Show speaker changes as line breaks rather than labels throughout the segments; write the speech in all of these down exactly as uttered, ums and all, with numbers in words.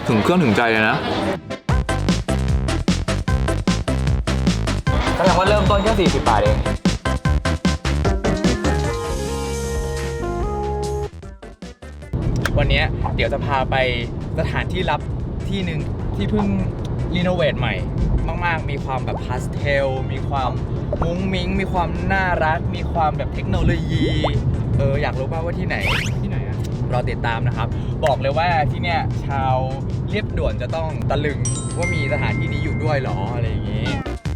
ถึงเครื่องถึงใจเลยนะแสดงว่าเริ่มต้นแค่สี่สิบบาทเองวันนี้เดี๋ยวจะพาไปสถานที่ลับที่หนึ่งที่เพิ่งรีโนเวทใหม่มากๆมีความแบบพาสเทลมีความมุ้งมิ้งมีความน่ารักมีความแบบเทคโนโลยีเอออยากรู้ป่าวว่าที่ไหนที่ไหนอะรอติดตามนะครับบอกเลยว่าที่เนี้ยชาวเรียบด่วนจะต้องตะลึงว่ามีสถานที่นี้อยู่ด้วยหรออะไรอย่างงี้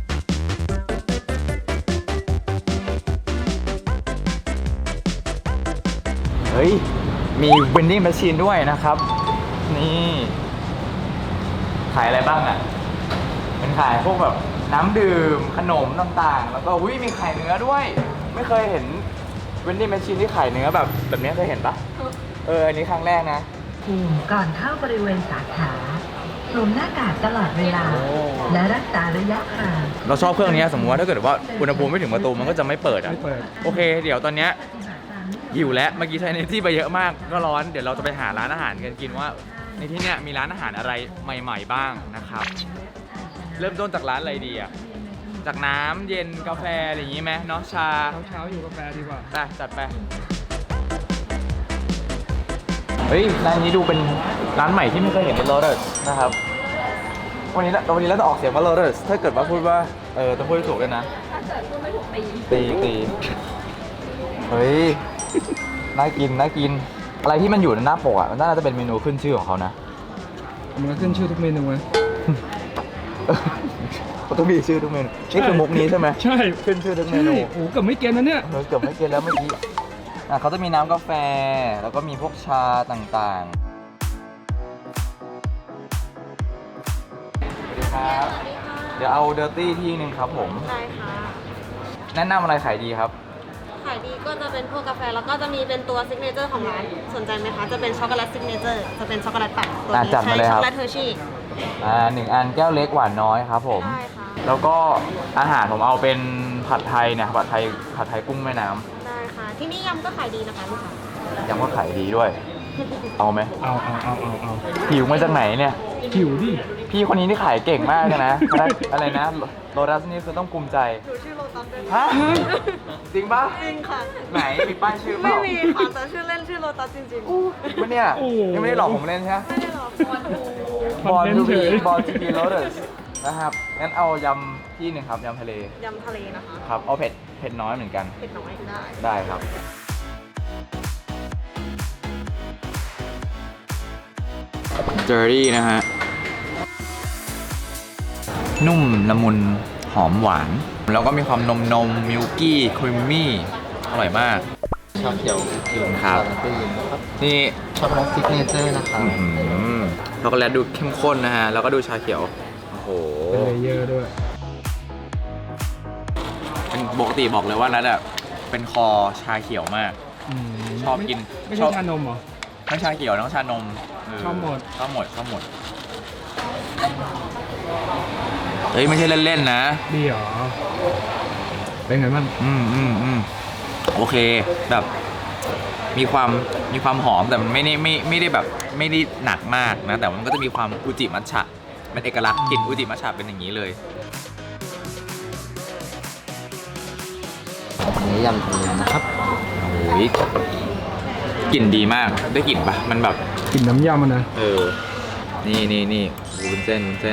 เฮ้ยมี vending machine ด้วยนะครับนี่ขายอะไรบ้างอ่ะเป็นขายพวกแบบน้ำดื่มขนมต่างๆแล้วก็อุ้ยมีขายเนื้อด้วยไม่เคยเห็น vending machine ที่ขายเนื้อแบบแบบนี้เคยเห็นปะเอออันนี้ครั้งแรกนะ
ก่อนเข้าบริเวณสาขาสวมหน้ากากตลอดเวลาและรักษาระยะห่าง
เราชอบเครื่องนี้สมมติว่าถ้าเกิดว่าอุณหภูมิไม่ถึงประตูมันก็จะไม่เปิดอ่ะโอเคเดี๋ยวตอนเนี้ยหิวแล้วเมื่อกี้ใช้เนที่ไปเยอะมากก็ร้อนเดี๋ยวเราจะไปหาร้านอาหารกันกินว่าในที่เนี้ยมีร้านอาหารอะไรใหม่ๆบ้างนะครับเริ่มต้นจากร้านอะไรดีอ่ะจากน้ำเย็นกาแฟอะไรอย่างงี้ไหมเนาะชา
เช้าๆอยู่กาแฟดีกว่า
ไปจัดไปเฮ้ยร้านนี้ดูเป็นร้านใหม่ที่ไม่เคยเห็นในโรเดอร์นะครับวันนี้วันนี้เราจะออกเสียงว่าโรเดอร์ถ้าเกิดว่าพูดว่าเออต้องพูดถูกด้วยนะ
ถ้าเกิดพูดไม่ถูกตี
ตีตีเฮ้ยน่ากินน่ากินอะไรที่มันอยู่ในหน้าปกอ่ะมันน่าจะเป็นเมนูขึ้นชื่อของเขานะ
มันก็ขึ้นชื่อทุกเมนูไหม
เขาต้องมีชื่อทุกเมนูนี่คือมุกนี้ใช่ไหม
ใช่
ขึ้นชื่อทุกเมนู
โอ้เกือบไม่เกินนะเนี่ย
เกือบไม่เกินแล้วเมื่อกี้อ่ะเขาจะมีน้ำกาแฟแล้วก็มีพวกชาต่างๆสวัสดีครับเดี๋ยวเอาเดอร์ตี้ที่นึงครับผม
ได้ค่ะ
แนะนำอะไรขายดีครับ
ขายดีก็จะเป็นพวกกาแฟแล้วก็จะมีเป็นตัวซิกเนเจอร์ของร้านสนใจไหมคะจะเป็นช็อกโกแลตซิกเนเจอร์จะเป็นช็อกโกแลตปั่นตัวนี้ใช้ช็อกโกแลตเทอร์ชี่
อ่าหนึ่งอันแก้วเล็กหวานน้อยครับผม
ได้ค่ะ
แล้วก็อาหารผมเอาเป็นผัดไทยเนี่ยผัดไทยผัดไทยกุ้งแม่น้ำ
ได้ค่ะที่นี่ยำก็ขายดีนะคะลูกค้าย
ำก็ขายดีด้วยเอาไหม
เอาเอาเอาเอาเอา
หิวมาจากไหนเนี่ย
หิวดิ
พี่คนนี้นี่ขายเก่งมากเลยนะอะไรนะโรดัสนี่คือต้องภูมิใจ
หนูชื่อโรตัสด้วย
ฮะจริงปะ
จริงค่ะ
ไหนมีป้ายชื่อ
ไม่มีค่ะแต่ชื่อเล่นชื่อโรตัสจริง
ๆมันเนี่ยยังไม่ได้หลอกผมเล่นใช่ไหม
ไม่ได้หรอก
บอลทูบีบอลทูบีโรดัสนะครับงั้นเอายำที่หนึ่งครับยำทะเลย
ำทะเลนะคะ
ครับเอาเผ็ดเผ็ดน้อยเหมือนกัน
เผ็ดน้อยได้
ได้ครับเจอรี่นะฮะนุ่มละมุนหอมหวานแล้วก็มีความนมนมมิลกี้ครีมมี่อร่อยมาก
ชาเขียวเขียว
ครับนี่
ช็อกโกแลตซิกเนเจอร์นะครับ
ช็อกโกแลตดูเข้มข้นนะฮะแล้วก็ดูชาเขียวโอ้โห
เป็นเลเยอร์ด้วย
เป็นปกติบอกเลยว่านัทอ่ะเป็นคอชาเขียวมากชอบกิน
ไม่ใช่ชานมเหรอ
ทั้งชาเขียวทั้งชานม
ชอบหมด
ชอบหมดชอบหมดเฮ้ยไม่ใช่เล่นๆนะ
ดีเหรอเป็นไงบ้าง
อืมอืมอืมโอเคแบบมีความมีความหอมแต่มันไม่ได้ไม่ไม่ได้แบบไม่ได้หนักมากนะแต่มันก็จะมีความอุจิมัทฉะเป็นเอกลักษณ์กลิ่นอุจิมัทฉะเป็นอย่างนี้เลย
อันนี้ยำทะเลนะครับ
โอ้ยกลิ่นดีมากได้กลิ่นปะมันแบบ
กลิ่นน้ำยำมันนะ
เออนี่นี่นี่วุ้นเส้นวุ้นเส้น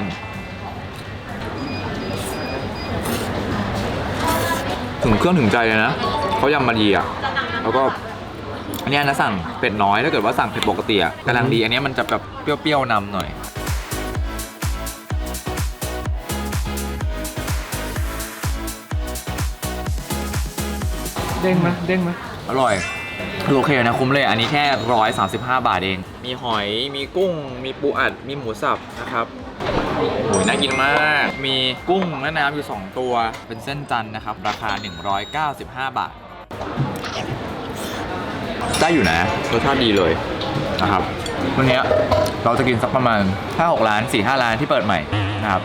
ถึงเครื่องถึงใจเลยนะเขายำมาดีอ่ะแล้วก็อันนี้นะสั่งเผ็ดน้อยถ้าเกิดว่าสั่งเผ็ดปกติอ่ะกำลังดีอันนี้มันจะแบบเปรี้ยวๆนำหน่อย
เด้งไหมเด้งไหม
อร่อยโอเคนะคุ้มเลยอันนี้แค่หนึ่งร้อยสามสิบห้าบาทเองมีหอยมีกุ้งมีปูอัดมีหมูสับนะครับโอ้ยน่ากินมากมีกุ้งแม่น้ำอยู่สองตัวเป็นเส้นจันทร์นะครับราคาหนึ่งร้อยเก้าสิบห้าบาทได้อยู่นะรสชาติดีเลยนะครับวันนี้เราจะกินสักประมาณ ห้าหก ร้าน สี่ห้า ร้านที่เปิดใหม่นะครับ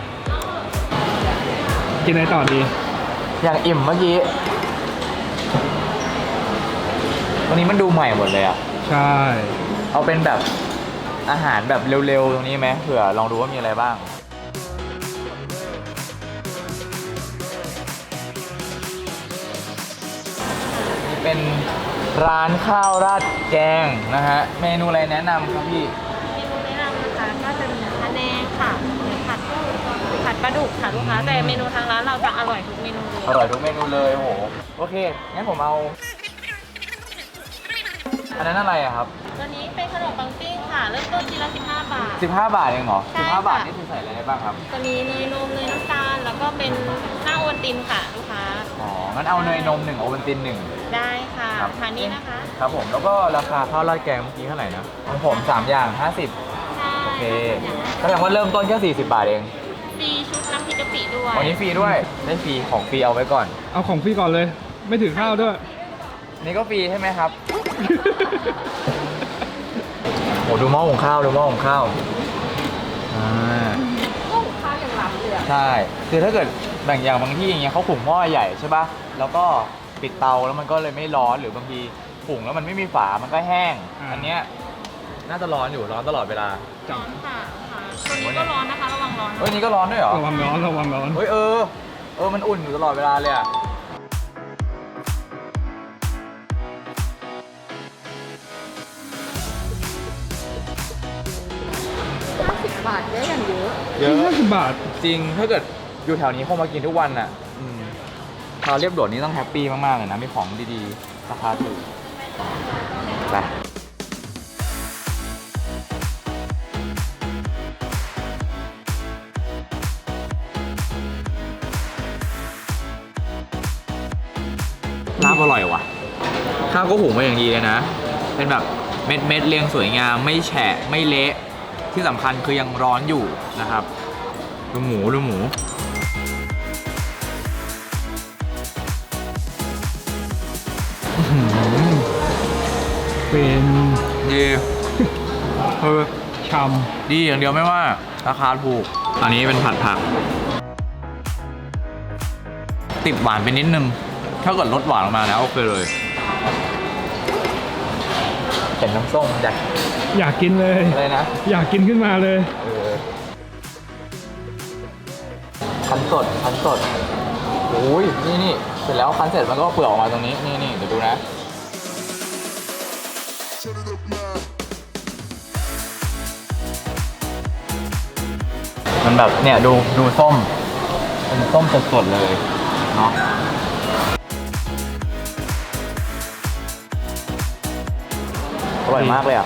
กินอะไรต่อดี
อย่างอิ่มเมื่อกี้วันนี้มันดูใหม่หมดเลยอ่ะ
ใช่
เอาเป็นแบบอาหารแบบเร็วๆตรงนี้ไหมเผื่อลองดูว่ามีอะไรบ้างนี่เป็นร้านข้าวราดแกงนะฮะเมนูอะไรแนะนำครับพี่
เมนูแนะนำนะคะก็จะมีพะแนงค่ะหรือผัดผัดปลาดุกค่ะลูกค้าแต่เมนูทางร้านเราจะอร่อยทุกเมนูเลย
อร่อยทุกเมนูเลยโอ้โหโอเคงั้นผมเอาอันนั้นอะไรอะครับ
ตัวนี้เป็นขนมปังปิ้งค่ะเริ่มต้นชิ้นละสิบห้าบาท
สิบห้าบาทเองเหรอ
ใช่
สิบห้า
ค่ะ
บาทนี่คือใส่อะไรได้บ้างครับ
จะมีเนยนมเนยน้ำตาลแล้วก็เป็นหน้าโอวัลตินค่ะลูกค้า
อ๋องั้นเอาเนยนมหนึ่งโอวัลตินหนึ่ง
ได้ค่ะ
ครับ
ทานนี้นะคะ
ครับผมแล้วก็ราคาข้าวราดแกงเมื่อกี้เท่าไหร่นะของผมสามอย่างห้าสิบ
ใช่
โอเคแสดงว่าเริ่มต้นแค่สี่สิบบาทเอง
ฟรีชุดน้ำพริกกะปิด้วย
วันนี้ฟรีด้วยได้ฟรีของฟรีเอาไว้ก่อน
เอาของฟรีก่อนเลย ไม่ถือข้าวด้วย
นี่ก็ฟรีใช่ไหมครับ โหดูหม้อหุงข้าวดูหม้อหุงข้าวอ่า
ก็หุงข้าวอย่างล้ำเลยอะ
ใช่ คือถ้าเกิดแบ่งอย่างบางที่อย่างเงี้ยเขาหุงหม้อใหญ่ใช่ป่ะ แล้วก็ปิดเตาแล้วมันก็เลยไม่ร้อนหรือบางทีหุงแล้วมันไม่มีฝา มันก็แห้ง
อ่า
อันเนี้ยน่าจะร้อนอยู่ร้อนตลอดเวลา
ร้อนค่ะค่ะตัวนี้ก็ร้อนนะคะระวังร้อนนะ
เฮ้ยนี่ก็ร้อนด้วยเหรอ
ระวังร้อนระวังร้อน
เฮ้ยเออ เออมันอุ่นอยู่ตลอดเวลาเลยอะเยอะ
ห้าสิบบาท
จริง ถ้าเกิดอยู่แถวนี้คงมากินทุกวันน่ะอืมชาวเรียบด่วนนี่ต้องแฮปปี้มากๆเลยนะ มีของดีๆ ราคาถูกไปลาบอร่อยว่ะ ข้าวก็หุงมาอย่างดีเลยนะ เป็นแบบเม็ดเม็ดๆเรียงสวยงาม ไม่แฉะ ไม่เละ ที่สำคัญคือยังร้อนอยู่นะครับ ดูหมูดูหมู
เป็น
ดีเออ
ช
ดีอย่างเดียวไม่ว่า ราคาถูก อันนี้เป็นผัดผัก ติดหวานไปนิดนึง ถ้าเกิดลดหวานออกมาแล้วโอเคเลยเป็นน้ำส้มอยาก
ำอยากกินเลย
อะไรนะ
อยากกินขึ้นมาเลย
เออคั้นสดคั้นสดโอ้ยนี่นี่เสร็จแล้วคั้นเสร็จมันก็เปลือกออกมาตรงนี้นี่นี่เดี๋ยวดูนะ มันแบบเนี่ยดูดูส้มเป็นส้มสดๆเลยเนาะอร่อยมากเลยอ่ะ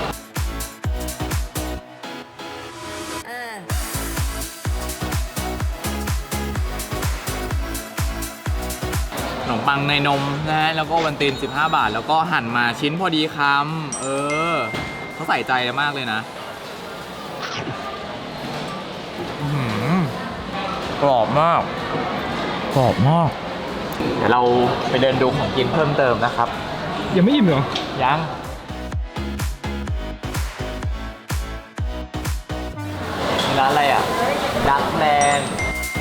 ขนมปังในนมนะฮะแล้วก็วันตีนสิบห้าบาท แล้วก็หั่นมาชิ้นพอดีคำเออเขาใส่ใจมากเลยนะอื้อหือกรอบมาก กรอบมาก เดี๋ยวเราไปเดินดูของกินเพิ่มเติมนะครับ
ยังไม่อิ่มเหรอ
ยังนี่ร้านอะไรอ่ะ ดักแลนด์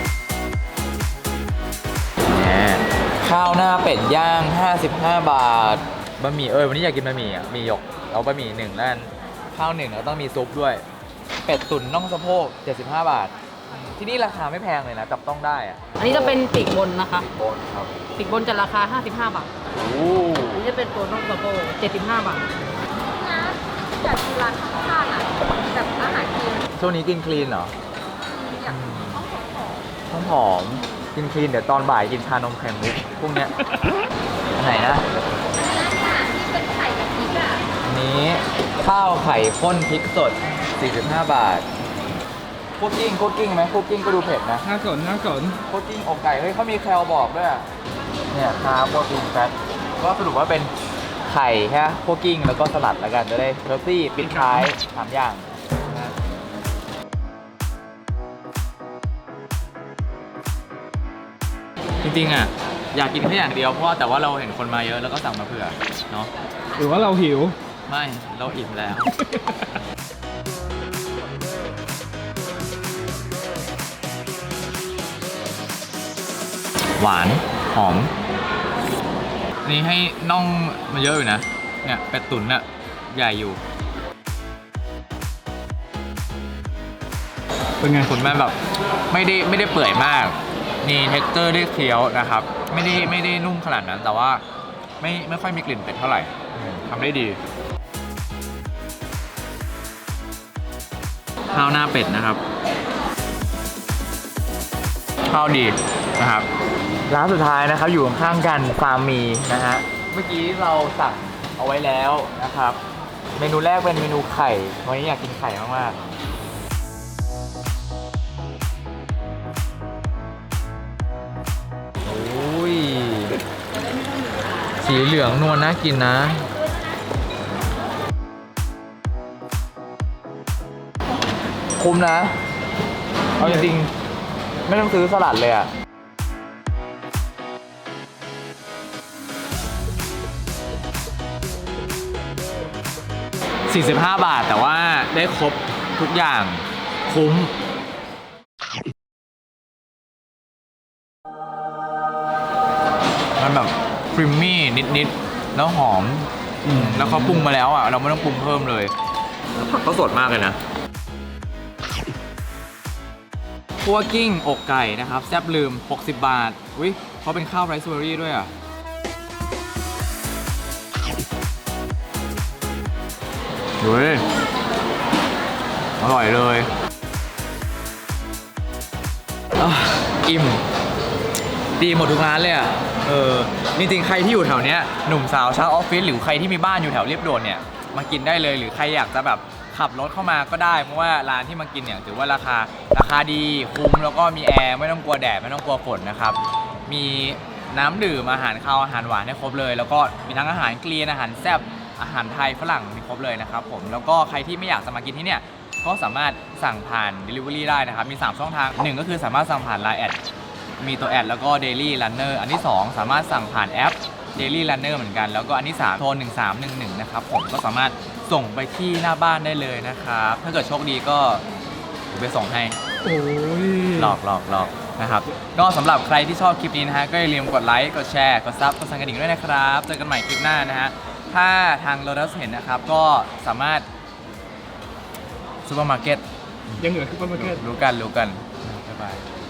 เนี่ยข้าวหน้าเป็ดย่าง ห้าสิบห้า บาท บะหมี่เออวันนี้อยากกินบะหมี่อ่ะ มีหยก เอาบะหมี่หนึ่งแล้วกันข้าวหนึ่งแล้วต้องมีซุปด้วย เป็ดตุ๋นน่องสะโพก เจ็ดสิบห้า บาท ที่นี่ราคาไม่แพงเลยนะ จับต้องได้อ่ะ
อันนี้จะเป็นปีกบนนะคะ
โบนครับ
ปีกบนจะราคา ห้าสิบห้า บาท
โอ้
อันนี้จะเป็นตัวน้องสะโพกเจ็ดสิบห้า บาท
อยากกินร้านข้างๆอ่ะแบบอาหารคลีน
ช่วงนี้กินคลีนเหรอ
อยากต้องหอม
ต้องหอม กินคลีนเดี๋ยวตอนบ่ายกินชานมไข่มุกพวกเนี้ยอันไหนนะ
ที่เป็นไข่กับพริกอ่ะ
อันนี้ข้าวไข่ข้นพริกสด สี่สิบห้า บาทคุกกิ้งคุกกิ้งไหมคุกกิ้งก็ดูเผ็ดนะ
น่าสนน่าสน
คุกกิ้งอกไก่ เฮ้ยเขามีแคลบอกด้วยอะเนี่ยคาร์บโปรตีนแฟตก็สรุปว่าเป็นไข่แค่คุกกิ้งแล้วก็สลัดแล้วกันจะได้เฮลตี้ปิดท้ายสามอย่างนะจริงๆอ่ะอยากกินแค่อย่างเดียวเพราะว่าแต่ว่าเราเห็นคนมาเยอะแล้วก็สั่งมาเผื่อเนาะ
หรือว่าเราหิว
ไม่เราอิ่มแล้ว หวาน หอม นี่ให้น่องมาเยอะอยู่นะ เนี่ยเป็ดตุ๋นน่ะใหญ่อยู่
เป็นไง
คุณแม่แบบไม่ได้ไม่ได้เปื่อยมากมีเท็กเจอร์ได้เคี้ยวนะครับ ไม่ได้ไม่ได้นุ่มขนาดนั้น แต่ว่าไม่ไม่ค่อยมีกลิ่นเป็ดเท่าไหร่ทำได้ดีข้าวหน้าเป็ดนะครับข้าวดีนะครับร้านสุดท้ายนะครับอยู่ข้างๆกันฟาร์มมีนะฮะเมื่อกี้เราสั่งเอาไว้แล้วนะครับ เมนูแรกเป็นเมนูไข่วันนี้อยากกินไข่มากๆโอ้ยสีเหลืองนวลน่ากินนะคุ้มนะเอาจริงๆไม่ต้องซื้อสลัดเลยอะสี่สิบห้าบาทแต่ว่าได้ครบทุกอย่างคุ้มมันแบบครีมมี่นิดๆแล้วหอมแล้วเขาปรุงมาแล้วอ่ะเราไม่ต้องปรุงเพิ่มเลยแล้วผักก็สดมากเลยนะคั่วกิ้งอกไก่นะครับแซ่บลืมหกสิบบาทอุ้ยเขาเป็นข้าวไรซ์เบอร์รี่ด้วยอ่ะดูดิอร่อยเลยอ่ะอิ่มดีหมดทุกร้านเลยอ่ะเออจริงๆใครที่อยู่แถวเนี้ยหนุ่มสาวชาวออฟฟิศหรือใครที่มีบ้านอยู่แถวเรียบด่วนเนี่ยมากินได้เลยหรือใครอยากจะแบบขับรถเข้ามาก็ได้เพราะว่าร้านที่มากินเนี่ยถือว่าราคาราคาดีคุ้มแล้วก็มีแอร์ไม่ต้องกลัวแดดไม่ต้องกลัวฝนนะครับมีน้ำดื่มอาหารคาวอาหารหวานให้ครบเลยแล้วก็มีทั้งอาหารเกลียนอาหารแซ่บอาหารไทยฝรั่งมีครบเลยนะครับผมแล้วก็ใครที่ไม่อยากจะมากินที่เนี่ยก็สามารถสั่งผ่าน Delivery ได้นะครับมีสามช่องทางหนึ่งก็คือสามารถสั่งผ่าน ไลน์ แอดมีตัวแอดแล้วก็ Daily Runner อันที่สองสามารถสั่งผ่านแอป Daily Runner เหมือนกันแล้วก็อันที่สามโทรหนึ่งสามหนึ่งหนึ่งนะครับผมก็สามารถส่งไปที่หน้าบ้านได้เลยนะครับถ้าเกิดโชคดีก็ไปส่งให้
โอ้ย
หลอกหลอกหลอกนะครับก็สำหรับใครที่ชอบคลิปนี้นะฮะก็อย่าลืมกดไลค์กดแชร์กดซับกดสั่นกระดิ่งด้วยนะครับเจอกันใหม่คลิปหน้านะฮะถ้าทาง Lotus เห็นนะครับก็สามารถซูเปอร์มาร์เก็ต
ยังเหลือคือประมาณแค่
รู้กันรู้กันบ๊ายบาย